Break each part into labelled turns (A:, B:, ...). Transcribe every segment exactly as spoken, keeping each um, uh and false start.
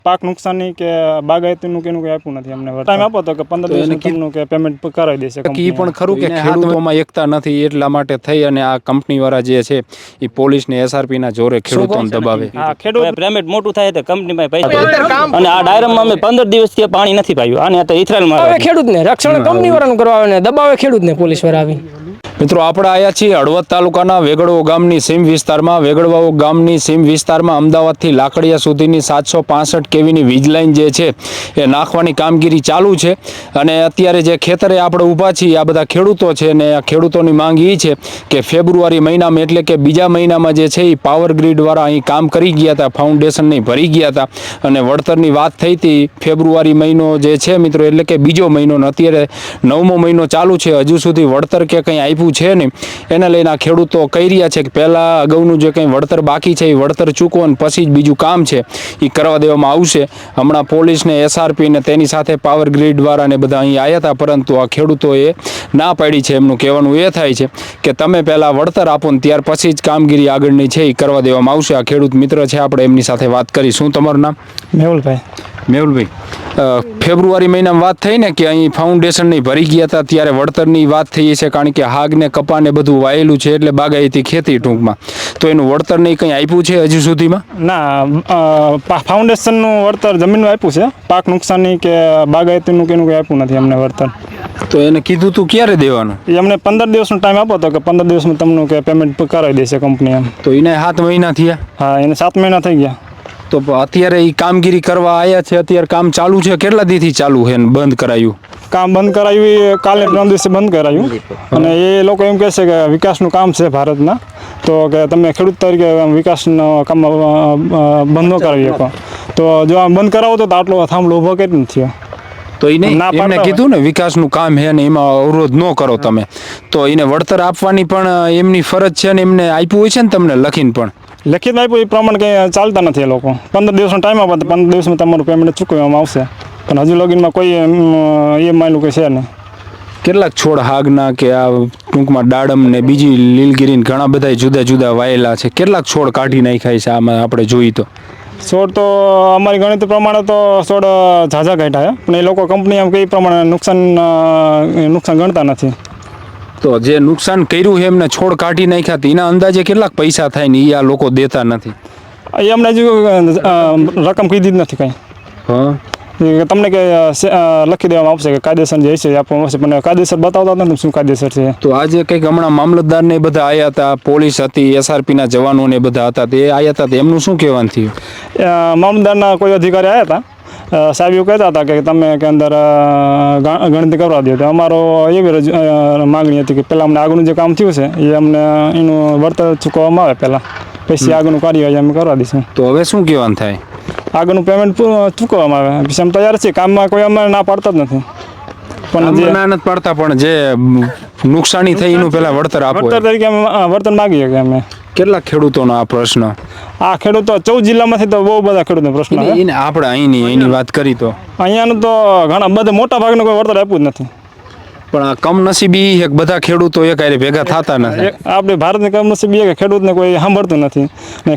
A: પાક નુકસાની કે બાગાયતીનું કે એનું કંઈ આપ્યું નથી અમને. ટાઈમ આપો તો કે પંદર દિવસનું કે પેમેન્ટ કરાવી દેશે.
B: એ પણ ખરું કે ખેડૂતોમાં એકતા નથી એટલા માટે થઈ અને આ કંપનીવાળા જે છે એ પોલીસને એસઆરપીના જોરે ખેડૂતોને દબાવે.
A: હા, ખેડૂત
C: પેમેન્ટ મોટું થાય તો કંપનીમાં પૈસા અને આ ડાયરામાં અમે પંદર દિવસથી પાણી નથી પાયું. આને તો ઇથરાયલમાં
D: ખેડૂતને રક્ષણ કંપનીવાળાનું કરવા આવે ને દબાવે ખેડૂતને પોલીસવાળા આવી.
B: મિત્રો આપણે આવ્યા છીએ હળવદ તાલુકાના વેગડવો ગામની સીમ વિસ્તારમાં. વેગડવાઓ ગામની સીમ વિસ્તારમાં અમદાવાદથી લાકડિયા સુધીની સાતસો પાસઠ કેવીની વીજ લાઈન જે છે એ નાખવાની કામગીરી ચાલુ છે. અને અત્યારે જે ખેતરે આપણે ઊભા છીએ આ બધા ખેડૂતો છે અને આ ખેડૂતોની માંગ એ છે કે ફેબ્રુઆરી મહિનામાં એટલે કે બીજા મહિનામાં જે છે એ પાવર ગ્રીડવાળા અહીં કામ કરી ગયા હતા, ફાઉન્ડેશનની ભરી ગયા હતા અને વળતરની વાત થઈ હતી. ફેબ્રુઆરી મહિનો જે છે મિત્રો એટલે કે બીજો મહિનો ને અત્યારે નવમો મહિનો ચાલુ છે, હજુ સુધી વળતર કે કંઈ આપ્યું છે ને. એને લઈને આ ખેડૂતો કહી રહ્યા છે કે પહેલાં અગાઉનું જે કંઈ વળતર બાકી છે એ વળતર ચૂકવો અને પછી જ બીજું કામ છે એ કરવા દેવામાં આવશે. હમણાં પોલીસને એસઆરપી ને તેની સાથે પાવર ગ્રીડવાળા ને બધા અહીં આવ્યા હતા, પરંતુ આ ખેડૂતોએ ના પાડી છે. એમનું કહેવાનું એ થાય છે કે તમે પહેલાં વળતર આપો ને ત્યાર પછી જ કામગીરી આગળની છે એ કરવા દેવામાં આવશે. આ ખેડૂત મિત્ર છે, આપણે એમની સાથે વાત કરી. શું તમારું નામ?
A: મેહુલભાઈ.
B: મેહુલભાઈ, ફેબ્રુઆરી મહિનામાં વાત થઈ ને કે અહીં ફાઉન્ડેશનની ભરી ગયા હતા ત્યારે વળતરની વાત થઈ છે, કારણ કે હાગ ને કપા ને બધું વાયેલું છે એટલે બાગાયતી ખેતી ટૂંકમાં. તો એનું વળતર નહીં કંઈ આપ્યું છે હજુ સુધીમાં?
A: ના, ફાઉન્ડેશનનું વળતર જમીનનું આપ્યું છે. પાક નુકસાની કે બાગાયતીનું કે એનું કંઈ આપ્યું નથી અમને વળતર.
B: તો એને કીધું તું ક્યારે દેવાનું?
A: એ અમને પંદર દિવસનો ટાઈમ આપો તો કે પંદર દિવસમાં તમને કે પેમેન્ટ કરાવી દેશે કંપની એમ.
B: તો એને સાત મહિના થયા?
A: હા, એને સાત મહિના થઈ ગયા.
B: તો અત્યારે એ કામગીરી કરવા આવ્યા છે, અત્યારે કામ ચાલુ છે. કેટલા દીથી ચાલુ છે ને બંધ કરાયું?
A: કામ બંધ કરાવ્યું એ કાલે ત્રણ દિવસે બંધ કરાયું. અને એ લોકો એમ કહે છે કે વિકાસનું કામ છે ભારતના, તો કે તમે ખેડૂત તરીકે વિકાસનો કામ બંધ ન કરાવી શકો. તો જો આમ બંધ કરાવો તો આટલો થાંભલો ઊભો કેમ નથી થયો?
B: તો એને એમને કીધું ને વિકાસનું કામ છે ને એમાં અવરોધ ન કરો તમે. તો એને વળતર આપવાની પણ એમની ફરજ છે ને એમને આપ્યું હોય છે ને તમને લખીને પણ?
A: લખિત આપ્યું એ પ્રમાણે કંઈ ચાલતા નથી એ લોકો. પંદર દિવસનો ટાઈમ આપે તો પંદર દિવસમાં તમારું પેમેન્ટ ચૂકવવામાં આવશે, પણ હજુ લગીનમાં કોઈ એ માયલું કંઈ છે નહીં.
B: કેટલાક છોડ હાગના કે આ ટૂંકમાં દાડમ ને બીજી લીલગીરીને ઘણા બધા જુદા જુદા વાયેલા છે, કેટલાક છોડ કાઢી નાખાય છે આમાં આપણે જોઈએ તો?
A: છોડ તો અમારી ગણિત પ્રમાણે તો છોડ ઝાઝા કાઢ્યા, પણ એ લોકો કંપની એમ કઈ પ્રમાણે નુકસાન નુકસાન ગણતા નથી.
B: તો જે નુકસાન કર્યું છે એમને છોડ કાઢી નાખ્યા હતા એના અંદાજે કેટલાક પૈસા થાય ને એ આ લોકો દેતા નથી?
A: એ અમને હજુ રકમ કીધી જ નથી કંઈ.
B: હા,
A: તમને કે લખી દેવામાં આવશે કે કાયદેસર જે છે આપવામાં આવશે, પણ કાયદેસર બતાવતા નથી શું કાયદેસર છે.
B: તો આજે કંઈક હમણાં મામલતદાર ને બધા આવ્યા હતા, પોલીસ હતી, એસઆરપીના જવાનો ને બધા હતા, તે આવ્યા હતા, એમનું શું કહેવાનું થયું?
A: મામલતદારના કોઈ અધિકારી આવ્યા હતા, સાહેબ એવું કહેતા હતા કે તમે કે અંદર ગણતરી કરવા દો. તો અમારો એવી માગણી હતી કે પહેલાં અમને આગળનું જે કામ થયું છે એ અમને એનું વળતર ચૂકવવામાં આવે પહેલાં, પછી આગળનું કાર્ય અમે કરવા દઈશું.
B: તો હવે શું કહેવાનું થાય?
A: આગળનું પેમેન્ટ ચૂકવવામાં આવે. પછી અમે તૈયાર છીએ, કામમાં કોઈ અમે ના પાડતા જ નથી.
B: પણ જે ના નથી પાડતા, પણ જે નુકસાની થઈ એનું પહેલાં વળતર આપો.
A: વળતર તરીકે અમે વળતર માગીએ કે અમે.
B: કેટલા ખેડૂતોનો આ પ્રશ્ન?
A: આ ખેડૂતો ચૌદ જિલ્લામાંથી તો બહુ બધા ખેડૂતનો પ્રશ્ન છે.
B: આપણે અહીંની અહીંની વાત કરી તો
A: અહીંયાનું તો ઘણા બધા મોટા ભાગનું કોઈ વળતર આપ્યું જ નથી.
B: પણ આ કમનસીબી એક બધા ખેડૂતો એક આરે ભેગા થતા નથી.
A: આપણે ભારતની કમનસીબી કે ખેડૂતને કોઈ સાંભળતું નથી ને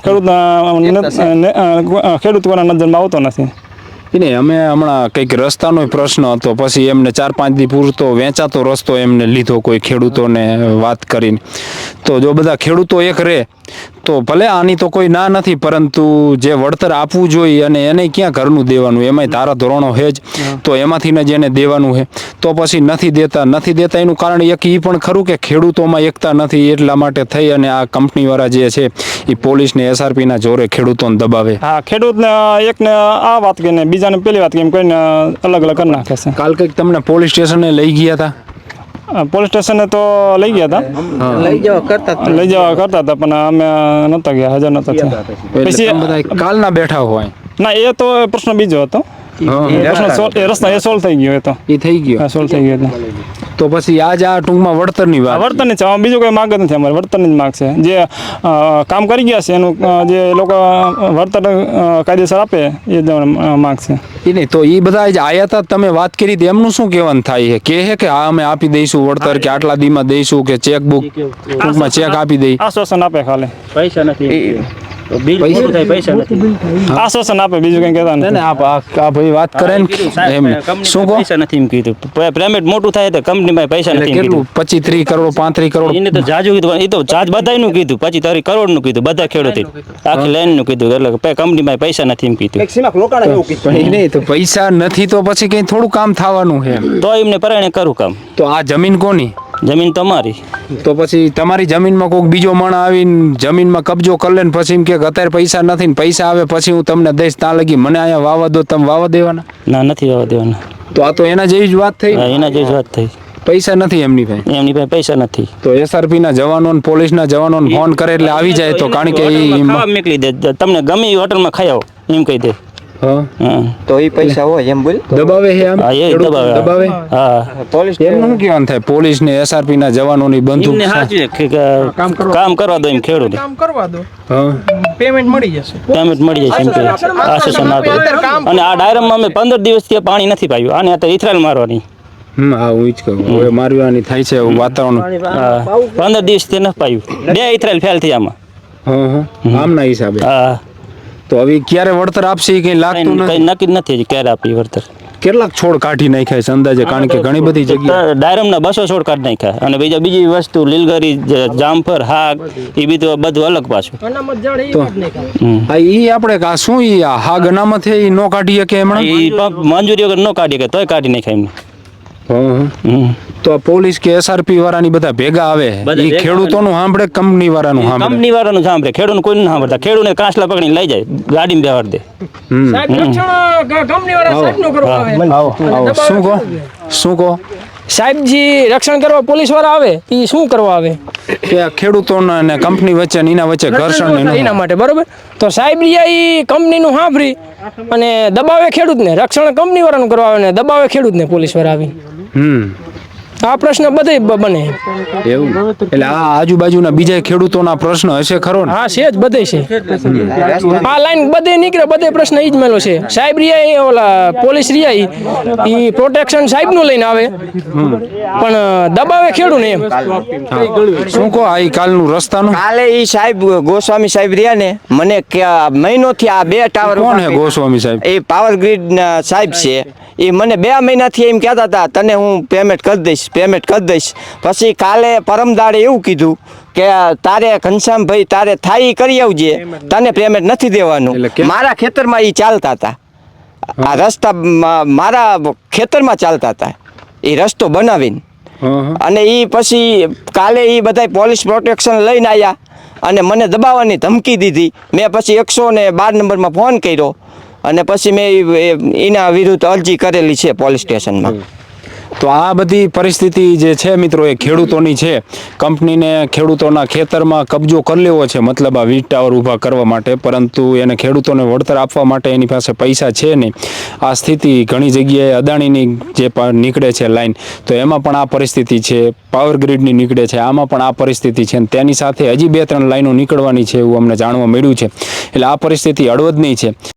A: ખેડૂતના ખેડૂત કોના નજરમાં આવતો નથી.
B: નહીં, અમે હમણાં કંઈક રસ્તાનો પ્રશ્ન હતો, પછી એમને ચાર પાંચ દી પૂરતો વેચાતો રસ્તો એમને લીધો કોઈ ખેડૂતોને વાત કરીને. તો જો બધા ખેડૂતો એક રહે તો ભલે આની તો કોઈ ના નથી, પરંતુ જે વળતર આપવું જોઈએ અને એને ક્યાં ઘરનું દેવાનું, એમાંય ધારા ધોરણો છે જ, તો એમાંથીને જ એને દેવાનું છે. તો પછી નથી દેતા નથી દેતા એનું કારણ એક એ પણ ખરું કે ખેડૂતોમાં એકતા નથી, એટલા માટે થઈ અને આ કંપનીવાળા જે છે એ પોલીસને એસઆરપીના જોરે ખેડૂતોને દબાવે.
A: હા, ખેડૂતને એકને આ વાત કહીને બીજાને પેલી વાત કેમ કહીને અલગ અલગ કરી નાખે છે.
B: કાલ કંઈક તમને પોલીસ સ્ટેશને લઈ ગયા હતા?
A: પોલીસ સ્ટેશને તો લઈ ગયા હતા,
D: લઈ જવા કરતા
A: લઈ જવા કરતા હતા, પણ અમે નહોતા ગયા, હાજર નહોતા થયા.
B: પછી કાલના બેઠા હોય?
A: ના, એ તો પ્રશ્ન બીજો હતો. રસ્તા એ સોલ્વ થઈ ગયો, એ તો
B: એ થઈ ગયો,
A: સોલ્વ થઈ ગયો.
B: તો પછી આજ આ ટૂંકમાં વળતરની વાત?
A: વળતરની છે, બીજું કોઈ માગ જ નથી. અમારે વળતરની જ માગ છે. જે કામ કરી ગયા છે એનું જે લોકો વળતર કાયદેસર આપે એ જ માગ છે.
B: એ નહીં, તો એ બધા જ આયા હતા, તમે વાત કરી હતી, એમનું શું કહેવાનું થાય છે? કહે કે હા અમે આપી દઈશું વળતર, કે આટલા દીમાં દઈશું, કે ચેક બુક ટૂંકમાં ચેક આપી દઈ?
A: આશ્વાસન આપે ખાલી,
C: પૈસા નથી. બિલ પૂરું થાય પૈસા નથી
A: આશ્વાસન આપે બીજું કંઈ કહેતા
B: ને
A: નથી.
B: ને આ આ ભાઈ વાત કરે ને એમ શું કહો
C: પૈસા નથી એમ કીધું પેમેન્ટ મોટું થાય તો કંપનીમાં પૈસા
B: એટલે
C: નથી એમ
B: કેટલું
C: કીધું
B: પચીસ ત્રીસ કરોડ પાંત્રીસ કરોડ
C: એને તો જાજુ કીધું એ તો જાજ બધાયનું કીધું પછી તારી કરોડનું કીધું બધા ખેડૂતે આખી લાઈનનું કીધું એટલે કે કંપનીમાં પૈસા નથી એમ કીધું
B: પણ એ નહીં તો પૈસા નથી તો પછી કઈ થોડું કામ થવાનું છે
C: તો એમને પરાયણે કરું કામ
B: તો આ જમીન કોની
C: જમીન તમારી
B: તો પછી તમારી જમીનમાં કોઈક બીજો માણસ આવીને જમીનમાં કબજો કરી લે ને પછી એમ કે અત્યારે પૈસા નથી ને પૈસા આવે પછી હું તમને દઈશ ત્યાં લગી મને અહીંયા વાવા દો તમે વાવા દેવાના
C: ના નથી આવવા દેવાના
B: તો આ તો એના જેવી જ વાત થઈ
C: હા, એના જેવી જ વાત થઈ
B: પૈસા નથી એમની પાસે
C: એમની પાસે પૈસા નથી
B: તો એસઆરપી ના જવાનો ને પોલીસના જવાનોને ફોન કરે એટલે આવી જાય તો કારણ કે
C: હોટલમાં
B: ઈ
C: ખાવા મોકલી દે તમને ગમે એ હોટલમાં ખાઈ આવો એમ કહી દે
B: હા
C: હા
E: તો એ પૈસા હોય એમ બોલ
B: દબાવે છે આમ
C: હા, એ
B: ખેડૂત
C: દબાવે.
B: દબાવે
C: હા
E: પોલીસ
B: એમનું શું કહેવાનું થાય પોલીસ ને એસઆરપી ના જવાનોની બંદૂક
C: એમને સાચું છે કે કામ કરવા દો એમ ખેડૂત
D: કામ કરવા દો
B: હા
D: પેમેન્ટ મળી જશે
C: પેમેન્ટ મળી જાય છે એમ કે આશ્વાસન આપે અને આ ડાયરામાં અમે પંદર દિવસથી પાણી નથી પાયું આને તો ઇથરાલ મારવાની
B: હમ હા હું જ કહું હવે મારવાની થાય છે એવું વાતાવરણ
C: હા પંદર દિવસથી નથી પાયું બે ઇથરાલ ફેલ થઈ આમાં
B: હા હા આમના હિસાબે
C: હા
B: તો હવે ક્યારે વળતર આપશે એ કઈ લાગતું
C: કઈ
B: નથી
C: નક્કી જ નથી હજી ક્યારે આપી વળતર
B: કેટલાક છોડ કાઢી નાખ્યા છે અંદાજે કારણ કે ઘણી બધી જગ્યાએ
C: ડાયરમના બસો છોડ કાઢી નાખ્યા અને બીજા બીજી વસ્તુ લીલગરી જ- જામફળ હાગ એ બીજું બધું અલગ પાછું
D: અનામત જાણે એ કાઢ નાખ્યા.
C: હમ.
B: હા ઈ આપણે આ શું ઈ આ હાગ અનામત છે ઈ નો કાઢી શકે હમણાં
C: ઈ પંપ મંજૂરી વગર ન કાઢી કે તોય કાઢી નાખ્યા એમને
B: હા, હા.
C: હમ.
B: તો આ પોલીસ કે એસઆરપી વાળાની બધા ભેગા આવે
C: બધા
B: ઈ
C: ભેગા
B: ખેડૂતોનું સાંભળે કંપની વાળાનું સાંભળે
C: કંપની વાળાનું સાંભળે ખેડૂત કોઈ ન સાંભળતા ખેડૂતને કાંસલા પકડીને લઈ જાય ગાડીમાં બેહાડ દે
B: હમ
D: સાહેબ રક્ષણ ગ- કંપની વાળા સાહેબનું કરવા આવે
B: આવો આવો શું કહો શું કહો
D: સાહેબજી રક્ષણ કરવા પોલીસ વાળા આવે એ શું કરવા આવે
B: કે આ ખેડૂતોના અને કંપની વચ્ચે ને એના વચ્ચે ઘર્ષણ ને એનું-
D: એના માટે બરોબર તો સાહેબ એ કંપનીનું સાંભળી અને દબાવે ખેડૂતને રક્ષણ કંપની વાળાનું કરવા આવે ને દબાવે ખેડૂતને પોલીસ વાળા આવી
B: હમ
D: આ પ્રશ્ન બધે બ- બને
B: એવું એટલે આ આજુબાજુના બીજા ખેડૂતોના પ્રશ્ન હશે ખરો ને
D: હા છે જ બધે છે આ લાઈન બધે નીકળે બધે પ્રશ્ન ઈ જ મેલો છે સાહેબ રિયા ઈ ઓલા પોલીસ રિયા ઈ પ્રોટેક્શન સાહેબનું લઈને આવે પણ દબાવે ખેડૂને એમ
B: શું કહો આ ઈ કાલનું રસ્તાનું
E: કાલે ઈ સાહેબ ગોસ્વામી સાહેબ રહ્યા ને મને કે આ મહિનોથી આ બે ટાવર
B: કોણ હે ગોસ્વામી સાહેબ
E: એ પાવર ગ્રીડ ના સાહેબ છે એ મને બે મહિનાથી એમ કહેતા હતા તને હું પેમેન્ટ કરી દઈશ પેમેન્ટ કરી દઈશ પછી કાલે પરમદાડે એવું કીધું કે તારે ઘનશ્યામભાઈ તારે થાય ઈ કરી આવજે તને પેમેન્ટ નથી દેવાનું
B: એટલે કેમ?
E: મારા ખેતરમાં એ ચાલતા હતા આ રસ્તા મા- મારા ખેતરમાં ચાલતા હતા એ રસ્તો બનાવીને
B: હા, હા.
E: અને એ પછી કાલે એ બધા પોલીસ પ્રોટેક્શન લઈને આવ્યા અને મને દબાવવાની ધમકી દીધી મેં પછી એકસો ને બાર નંબરમાં ફોન કર્યો અને પછી મેં ઈ- એ- એના વિરુદ્ધ અરજી કરેલી છે પોલીસ સ્ટેશનમાં
B: તો આ બધી પરિસ્થિતિ જે છે મિત્રો એ ખેડૂતોની છે કંપનીને ખેડૂતોના ખેતરમાં કબજો કરી લેવો છે મતલબ આ વીજ ટાવર ઊભા કરવા માટે પરંતુ એને ખેડૂતોને વળતર આપવા માટે એની પાસે પૈસા છે નહીં આ સ્થિતિ ઘણી જગ્યાએ અદાણીની જે પ- નીકળે છે લાઈન તો એમાં પણ આ પરિસ્થિતિ છે પાવર ગ્રીડની નીકળે છે આમાં પણ આ પરિસ્થિતિ છે અને તેની સાથે હજી બે ત્રણ લાઈનો નીકળવાની છે એવું અમને જાણવા મળ્યું છે એટલે આ પરિસ્થિતિ હળવદની છે